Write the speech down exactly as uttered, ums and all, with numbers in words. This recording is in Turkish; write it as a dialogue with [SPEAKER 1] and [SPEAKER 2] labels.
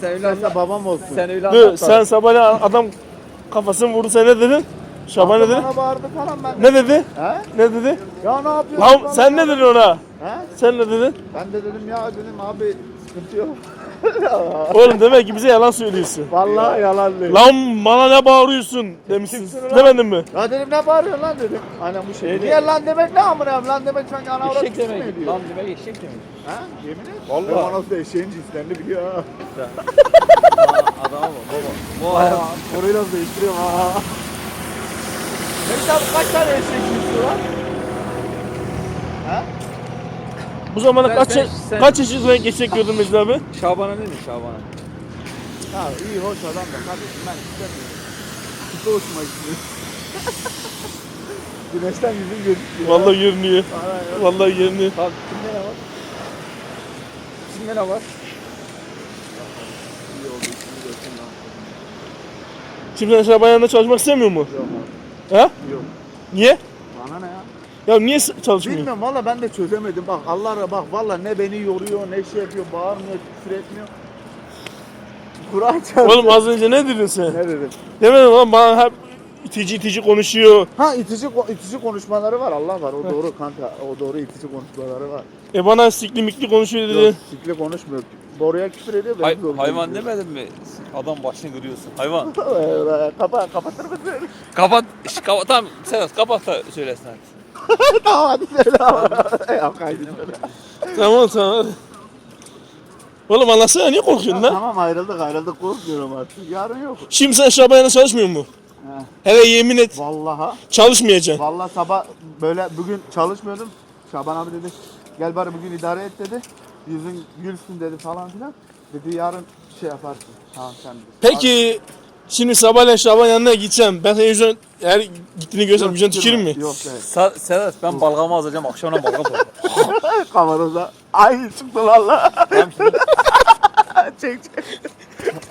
[SPEAKER 1] sen öyle
[SPEAKER 2] Sen de
[SPEAKER 1] anlat.
[SPEAKER 2] babam olsun.
[SPEAKER 1] Sen öyle
[SPEAKER 3] Dur,
[SPEAKER 1] anlat.
[SPEAKER 3] sen sabahleyin adam kafasını vurdu, sen ne dedin? Şaban ne dedi?
[SPEAKER 2] Bana bağırdı falan ben.
[SPEAKER 3] Ne dedi?
[SPEAKER 2] He?
[SPEAKER 3] Ne dedi?
[SPEAKER 2] Ya ne yapıyorsun?
[SPEAKER 3] Lan
[SPEAKER 2] bana
[SPEAKER 3] sen ne
[SPEAKER 2] bağırdı?
[SPEAKER 3] dedin ona?
[SPEAKER 2] He?
[SPEAKER 3] Sen ne dedin?
[SPEAKER 2] Ben de dedim ya dedim abi sıkıntı yok.
[SPEAKER 3] Oğlum demek ki bize yalan söylüyorsun.
[SPEAKER 2] Vallahi yalan değil.
[SPEAKER 3] Lan bana ne bağırıyorsun demişsin.
[SPEAKER 2] Kimsin lan?
[SPEAKER 3] Demedin mi?
[SPEAKER 2] Ya dedim ne bağırıyorsun lan dedim. Aynen bu şey.
[SPEAKER 1] Şey
[SPEAKER 2] Niye lan demek ne amına koyayım? Lan demek sanki ana avrat
[SPEAKER 1] Eşek
[SPEAKER 2] küfür mü
[SPEAKER 1] demek.
[SPEAKER 2] ediyor?
[SPEAKER 1] Lan demek eşek demek.
[SPEAKER 2] Ha? Yemin et.
[SPEAKER 1] Vallahi.
[SPEAKER 2] Benim anası da eşeğin cinslerini biliyor ha.
[SPEAKER 1] Adama bak baba. Bu hayat.
[SPEAKER 2] Orayı nasıl değiştiriyorum ha. Mehmet abi kaç tane eşek cinsi var? Ha?
[SPEAKER 3] Bu zamana
[SPEAKER 1] Sen-
[SPEAKER 3] kaç
[SPEAKER 1] sen- sen-
[SPEAKER 3] kaç yaşına geçecek diyordun Mecid abi?
[SPEAKER 1] Şaban'a ne mi Şaban'a?
[SPEAKER 2] Ha iyi hoş adam da kardeşim ben istemiyorum. Kutu hoşuma gidiyor. Güneşten yüzüm gözüküyor.
[SPEAKER 3] Vallahi görünüyor.
[SPEAKER 2] Aynen.
[SPEAKER 3] Vallahi görünüyor.
[SPEAKER 1] Abi kimde ne var? Kimde ne var?
[SPEAKER 2] İyi oldu, işini görsün lan.
[SPEAKER 3] Şimdi sen Şaban yanında çalışmak istemiyor mu?
[SPEAKER 2] Yok
[SPEAKER 3] He?
[SPEAKER 2] abi, yok.
[SPEAKER 3] Niye?
[SPEAKER 2] Bana ne ya?
[SPEAKER 3] Ya niye s- çalışmıyor?
[SPEAKER 2] Bilmiyorum valla ben de çözemedim. Bak Allah bak valla ne beni yoruyor ne şey yapıyor bağırmıyor küfür etmiyor. Kur'an çarptı.
[SPEAKER 3] Oğlum az önce ne dedin sen?
[SPEAKER 2] Ne dedim?
[SPEAKER 3] Demedin lan bana hep itici itici konuşuyor.
[SPEAKER 2] Ha itici ko- itici konuşmaları var Allah var o doğru kanka o doğru itici konuşmaları var.
[SPEAKER 3] E bana sikli mikli konuşuyor dedi.
[SPEAKER 2] Yok sikli konuşmuyor. Doğruya küfür ediyor ben
[SPEAKER 1] Hay,
[SPEAKER 2] zorunda
[SPEAKER 1] hayvan
[SPEAKER 2] gidiyorum.
[SPEAKER 1] demedin mi? Adam başını kırıyorsun. Hayvan.
[SPEAKER 2] Kapa kapatır mısın?
[SPEAKER 1] Kapat. Şş, kapat. Tamam Sedat kapat da söylesin hadi.
[SPEAKER 2] Tamam hadi söyle abi. Ya kaydı söyle.
[SPEAKER 3] Tamam tamam. Oğlum anlatsana niye korkuyorsun lan?
[SPEAKER 2] Tamam ayrıldık ayrıldık korkmuyorum artık. Yarın yok.
[SPEAKER 3] Şimdi sen Şaban yanında çalışmıyor mu?
[SPEAKER 2] He.
[SPEAKER 3] Hele yemin et
[SPEAKER 2] Vallaha.
[SPEAKER 3] çalışmayacaksın.
[SPEAKER 2] Vallahi sabah böyle bugün çalışmıyordum. Şaban abi dedi gel bari bugün idare et dedi. Yüzün gülsün dedi falan filan. Dedi yarın şey yaparsın. Tamam sen dedi.
[SPEAKER 3] Peki şimdi sabahleyin Şaban yanına gideceğim. Ben senin yüzüne eğer gittiğini görsem yüzüne tükürür mü?
[SPEAKER 2] Yok evet.
[SPEAKER 1] Sa- Sedat ben balgamı alacağım akşamdan balgam alacağım.
[SPEAKER 2] Kavanoza. Ay çıktı valla.
[SPEAKER 1] Tamam şimdi.
[SPEAKER 2] çek çek.